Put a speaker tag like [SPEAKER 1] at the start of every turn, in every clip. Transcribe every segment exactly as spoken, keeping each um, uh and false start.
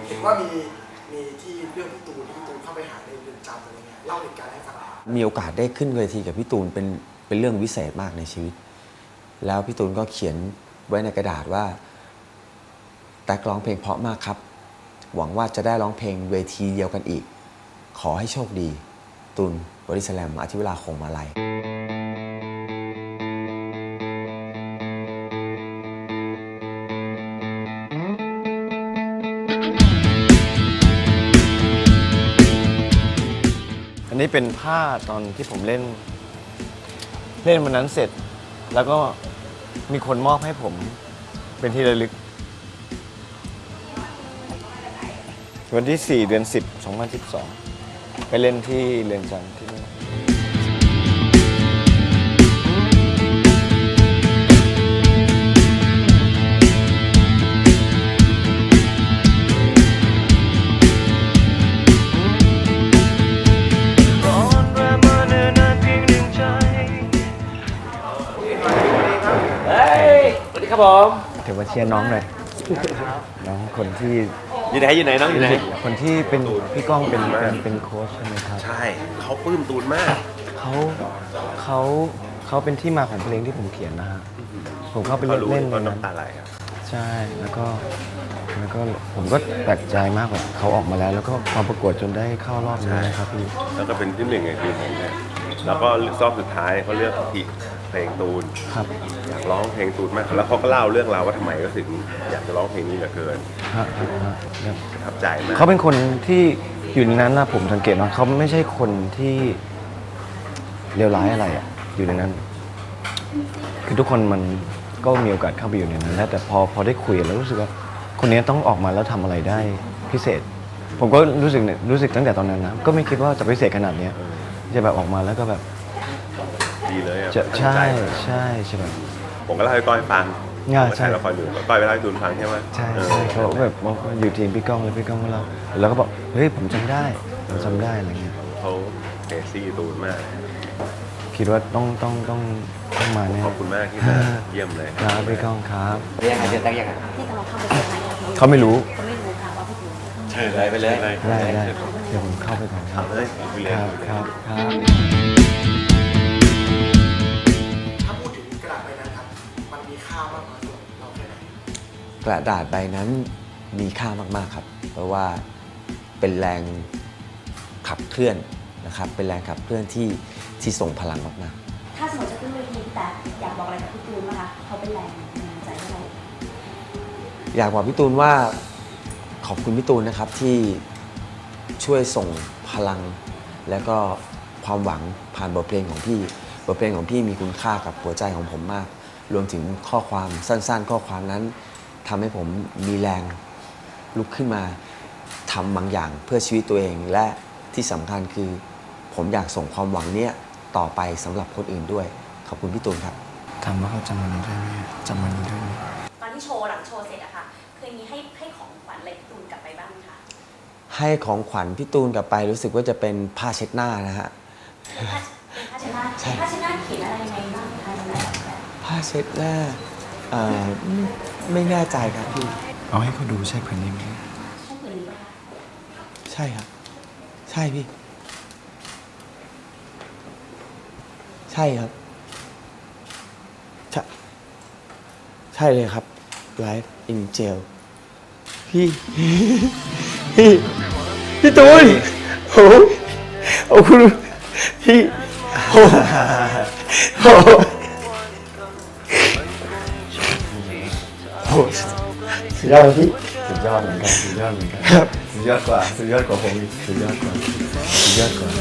[SPEAKER 1] เห็นว่ามีมีที่เรื่องพี่ตูนที่พี่ตูนเข้าไปหาในเรือนจำอะไรเงี้ยเล่าเหตุการณ์ให้ฟังหน่อย
[SPEAKER 2] มีโอกาสได้ขึ้นเวทีกับพี่ตูนเป็นเป็นเรื่องวิเศษมากในชีวิต แล้วพี่ตูนก็เขียนไว้ในกระดาษว่าแตกร้องเพลงเพราะมากครับหวังว่าจะได้ร้องเพลงเวทีเดียวกันอีกขอให้โชคดีตูนบริสแลมอธิวราคงมาลัย
[SPEAKER 3] อันนี้เป็นผ้าตอนที่ผมเล่นเล่นวันนั้นเสร็จแล้วก็มีคนมอบให้ผมเป็นที่ระลึกวันที่สี่เดือนสิบ สองพันสิบสองไปเล่นที่เรือนจำที่นี่
[SPEAKER 4] ครับผม
[SPEAKER 3] ถือว่าเชียร์น้องหน่อยน้องคนที่
[SPEAKER 4] อยู่ไหนอยู่ไหนน้องอยู่ไหน
[SPEAKER 3] คนที่เป็นพี่ก้องเป็นเป็นเป็นโค้ชใช่ไหมครับ
[SPEAKER 4] ใช่เขาปลื้มตูนมาก
[SPEAKER 3] เขาเขาเขาเป็นที่มาของเพลงที่ผมเขียนนะฮะผมเข้าไป
[SPEAKER 4] เขารู้
[SPEAKER 3] เล่น
[SPEAKER 4] ว่า
[SPEAKER 3] ในนั้น
[SPEAKER 4] น้ำตาไหลครับ
[SPEAKER 3] ใช่แล้วก็แล้วก็ผมก็แปลกใจมากแบบเขาออกมาแล้วแล้วก็มาประกวดจนได้เข้ารอบนี้นะครับพี่
[SPEAKER 4] แล้วก็เป็นที่หนึ่งในทีมผมเนี่ยแล้วก็รอบสุดท้ายเขาเลือกที่เพลงตูน
[SPEAKER 3] ครับ
[SPEAKER 4] อยากร้องเพลงตูนมากแล้วเขาก็เล่าเรื่องราวว่าทำไมก็ถึงอยากจะร้องเพลงนี้เหลือเกิน
[SPEAKER 3] ฮะฮะฮะครับ
[SPEAKER 4] ประทับใจมาก
[SPEAKER 3] เขาเป็นคนที่อยู่ในนั้นนะผมสังเกตว่าเขาไม่ใช่คนที่เลวร้ายอะไรอ่ะอยู่ในนั้น คือทุกคนมันก็มีโอกาสเข้าไปอยู่ในนั้นแล้วแต่พอพอได้คุยแล้วรู้สึกว่าคนนี้ต้องออกมาแล้วทำอะไรได้พิเศษ ผมก็รู้สึกเนี่ยรู้สึกตั้งแต่ตอนนั้นนะก็ไม่คิดว่าจะพิเศษขนาดเนี้ยจะแบบออกมาแล้วก็แบบ
[SPEAKER 4] ดีเลยอะ
[SPEAKER 3] จะ
[SPEAKER 4] ตั้ง
[SPEAKER 3] ใช่
[SPEAKER 4] ใจ
[SPEAKER 3] ใช่ใช่แบบ
[SPEAKER 4] ผมก็เล่าให้ก้อยฟัง
[SPEAKER 3] ง่าย
[SPEAKER 4] ผมก็
[SPEAKER 3] ใช่
[SPEAKER 4] ถ่ายละครอยู่ก้อยไปเล่าให้ตูนฟังใช่ไหม
[SPEAKER 3] ใช่
[SPEAKER 4] เออ
[SPEAKER 3] ใช่เขาแบบบอกว่าอยู่ทีมพี่ก้องแล้วพี่ก้องก็เล่าแล้วก็บอกเฮ้ยผมจำได้ผมจำได้อะไรเงี้ย
[SPEAKER 4] เขาเอซี่ตูนมาก
[SPEAKER 3] คิดว่าต้องต้องต้องต้องมาแน่
[SPEAKER 4] ขอบคุณมากที่มาเยี่ยมเลย
[SPEAKER 3] ครับพี่ก้องครับ
[SPEAKER 5] เรียกอะไรเดือนตั้งยังไง
[SPEAKER 6] ที่กำลังเข้าไปเซอร์ไพรส์อะ
[SPEAKER 3] เขาไม่รู้
[SPEAKER 6] เขาไม่รู้ค่ะว่าพี่ตูน
[SPEAKER 4] เชิญเลยไปเลย
[SPEAKER 3] ได้ได้เดี๋ยวผมเข้าไปก่อนครับ
[SPEAKER 4] เอาเลยไปเลย
[SPEAKER 3] ครับครับครับ
[SPEAKER 1] ถ้าพูดถึงกระดาษใบนั้นครับมันมีค่ามากน้อยสำหรับเราแค่ไหน
[SPEAKER 2] กระดาษใบนั้นมีค่ามากๆครับเพราะว่าเป็นแรงขับเคลื่อนนะครับเป็นแรงขับเคลื่อนที่ที่ส่งพลังมากๆ
[SPEAKER 6] ถ้าสมมติจะขึ้นเวทีแต่อยากบอกอะไรกับพี่ตูนไหมคะเขาเป็นแรงบันดาลใจให้เรา
[SPEAKER 2] อยากบอกพี่ตูนว่าขอบคุณพี่ตูนนะครับที่ช่วยส่งพลังและก็ความหวังผ่านบทเพลงของพี่บทเพลงของพี่มีคุณค่ากับหัวใจของผมมาก รวมถึงข้อความสั้นๆ ข้อความนั้นทำให้ผมมีแรงลุกขึ้นมาทำบางอย่างเพื่อชีวิตตัวเองและที่สำคัญคือผมอยากส่งความหวังเนี้ยต่อไปสำหรับคนอื่นด้วยขอบคุณพี่ตูนครับ
[SPEAKER 3] ถามว่าเขาจำมันนี้ได้ไหมจำมันนี้ได้ไหม
[SPEAKER 6] ตอนที่โชว์หลังโชว์เสร็จอะค่ะเคยมีให้ให้ของขวัญอะไรพี่ตูนกลับไปบ้างไหมคะ
[SPEAKER 2] ให้ของขวัญพี่ตูนกลับไปรู้สึกว่าจะเป็นผ้าเช็ดหน้านะฮะ
[SPEAKER 6] เป็นผ้าเป็นผ้าเช็ดหน้า
[SPEAKER 2] ใช่
[SPEAKER 6] ผ้าเช็ดหน้าเขียนอะไรยังไงบ้างคะในแบบ
[SPEAKER 2] ผ้าเช็ดหน้าเอ่อไม่ไม่แน่ใจครับพี่
[SPEAKER 3] เอาให้เขาดูใช่ผืนนี้ไหม
[SPEAKER 6] ใช่ผืนนี้ปะคะ
[SPEAKER 2] ใช่ครับ ใช่พี่ ใช่ครับ ใช่ใช่เลยครับ Life in Jail พี่ พี่ พี่ตูนโอ้ยโอ้คุณพี่โอ้โหโอ้สุดยอดพี่
[SPEAKER 3] สุดยอดเหมือนกันสุดยอดเหมือนกัน
[SPEAKER 2] ครับ
[SPEAKER 3] สุดยอดกว่าสุดยอดกว่าผมอีกสุดยอดกว่าสุดยอดกว่า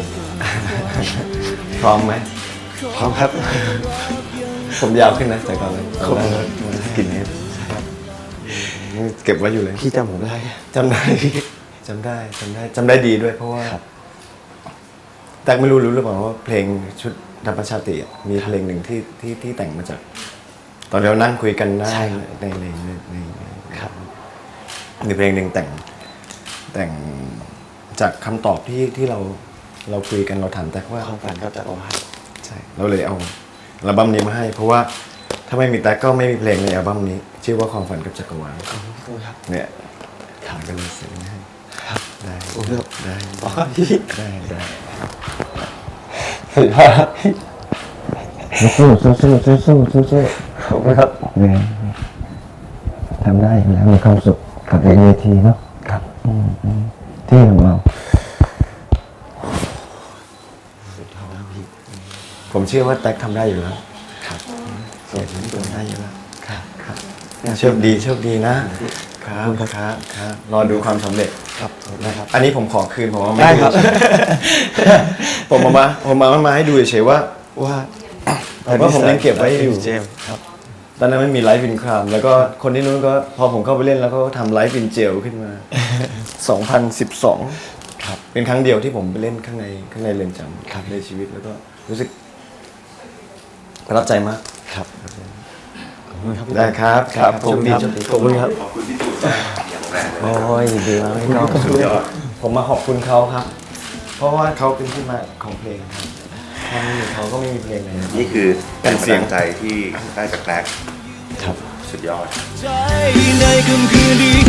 [SPEAKER 3] พร้อมไหม
[SPEAKER 2] พร้อมครับ
[SPEAKER 3] ผมยาวขึ้นนะแต่ก่อนเลย
[SPEAKER 2] ขอบคุณครับ
[SPEAKER 3] สกินเฮดเก็บไว้อยู่เลย
[SPEAKER 2] พี่จำผมได้
[SPEAKER 3] จำได้จำได้จำได้จำได้ดีด้วยเพราะว่า
[SPEAKER 2] ครับ
[SPEAKER 3] แต่ไม่รู้รู้หรือเปล่าว่าเพลงชุดธรรมชาติอะมีเพลงหนึ่งที่ที่ที่แต่งมาจาก ตอนเรานั่งคุยกันหน้าในในในในครับมีเพลงหนึ่งแต่งแต่งจากคำตอบที่ที่เราเราคุยกันเราถามแต่ว่า
[SPEAKER 2] ความฝันก็จะโอหัก
[SPEAKER 3] ใช่เราเลยเอาอัลบั้มนี้มาให้ เพราะว่าถ้าไม่มีแต่ก็ไม่มีเพลงในอัลบั้มนี้ชื่อว่าความฝันกับจักรวาล
[SPEAKER 2] ขอบคุณครับ
[SPEAKER 3] เนี่ยขาก็เลยเซ็นให้ได้
[SPEAKER 2] โอ้โห
[SPEAKER 3] ได้
[SPEAKER 2] อ๋อพี่
[SPEAKER 3] ได้ได้
[SPEAKER 2] สุดยอดครับ
[SPEAKER 3] สู้สู้สู้สู้สู้สู้สู้
[SPEAKER 2] ขอบคุณครับ
[SPEAKER 3] เนี่ยทำได้อยู่แล้วมีความสุขกับเวทีเนาะครับอืมอืมที่ของเรา
[SPEAKER 2] สุดยอดครับพี่
[SPEAKER 3] ผมเชื่อว่าแท็กทำได้อยู่แล้ว
[SPEAKER 2] ครับ
[SPEAKER 3] เสียผมทำได้อยู่แล้วครับครับโชคดีโชคดีนะครับครับครับรอดูความสำเร็จ
[SPEAKER 2] ครับ
[SPEAKER 3] นะครับ อันนี้ผมขอคืนผมเอามา
[SPEAKER 2] ได้ครับ
[SPEAKER 3] ผมเอามาผมมามาให้ดูเฉยๆว่าว่าแต่ว่าผมยังเก็บไว้อยู่
[SPEAKER 2] เจมส์ครับ
[SPEAKER 3] ตอนนั้นไม่มีไลฟ์วินครามแล้วก็คนที่นู้นก็พอผมเข้าไปเล่นแล้วก็ทำไลฟ์วินเจลขึ้นมา สองพันสิบสอง
[SPEAKER 2] ครับ
[SPEAKER 3] เป็นครั้งเดียวที่ผมไปเล่นข้างในข้างในเรือนจำ
[SPEAKER 2] ครับ
[SPEAKER 3] ในชีวิตแล้วก็รู้สึกประทับใจมาก
[SPEAKER 2] ครับขอบคุณครับ
[SPEAKER 3] ได้ครับ
[SPEAKER 2] ครับผม
[SPEAKER 3] โชคดี
[SPEAKER 2] ครับ
[SPEAKER 3] โชคดี
[SPEAKER 2] ขอบคุณครับ
[SPEAKER 4] ขอบคุณพี่ตูนมากอย่างแรกเลย
[SPEAKER 2] โอ้ยดีมากพี่ก้อง
[SPEAKER 4] สุดยอด
[SPEAKER 3] ผมมาขอบคุณเขาครับ เพราะว่าเขาเป็นที่มาของเพลงครับถ้าไม่มีเขาก็ไม่มีเพลงเลยนะ
[SPEAKER 4] นี่คือ
[SPEAKER 3] เป็นเสียง
[SPEAKER 4] กำลัใจที่ได้จากแกลก
[SPEAKER 2] ครับ
[SPEAKER 4] สุดยอด
[SPEAKER 5] ใจในค่ำคืนนี้